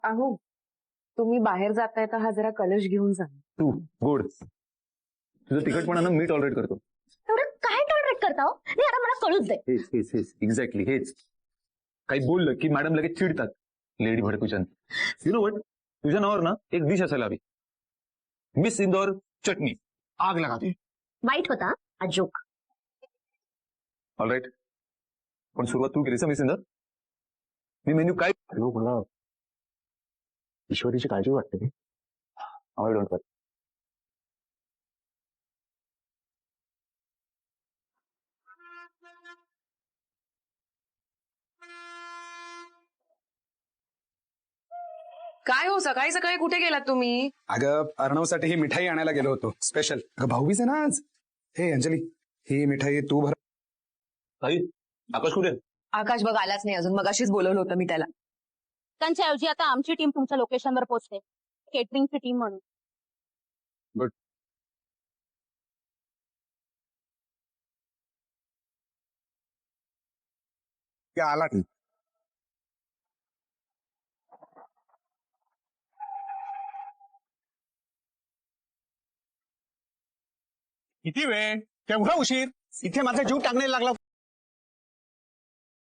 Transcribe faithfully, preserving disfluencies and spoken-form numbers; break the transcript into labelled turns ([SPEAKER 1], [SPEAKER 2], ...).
[SPEAKER 1] अहो तुम्ही बाहेर जाताय तर हा जरा कलश घेऊन जा.
[SPEAKER 2] तू गोड तुझं तिखटपणा ना मी टॉलरेट करतो.
[SPEAKER 3] एवढं काय टॉलरेट करता हो? नाही आता मला कळूच दे.
[SPEAKER 2] हेच हेच हेच एक्झॅक्टली हेच. काही बोललं की मॅडम लगेच चिडतात. लेडी भडकुचन. यु नो वट, तुझ्या नावावर ना एक डिश असायला हवी. मिस इंदौर चटणी आग लगाते.
[SPEAKER 3] वाईट होता हा जोक.
[SPEAKER 2] ऑलराईट, पण सुरुवात तू केलीस मिस इंदौर. मी मेन्यू काय
[SPEAKER 4] मला ईश्वरीची काळजी वाटते.
[SPEAKER 2] आय डोंट कर.
[SPEAKER 1] काय हो सकाळी सकाळी कुठे गेलात तुम्ही?
[SPEAKER 4] अगं अर्णवसाठी ही मिठाई आणायला गेलो होतो स्पेशल. अगं भाऊबीज आहे ना आज. हे अंजली, ही मिठाई तू भर.
[SPEAKER 2] ताई, आकाश कुठे?
[SPEAKER 1] आकाश बघ आलाच नाही अजून, मग अशीच बोलवलं होतं मी त्याला.
[SPEAKER 3] त्यांच्या ऐवजी आता आमची टीम तुमच्या लोकेशनवर पोहोचते, केटरिंगची टीम म्हणून.
[SPEAKER 2] बट
[SPEAKER 4] आला नाही.
[SPEAKER 5] किती वेळ, केवढा उशीर. इथे माझा जीव टाकण्याला लागला.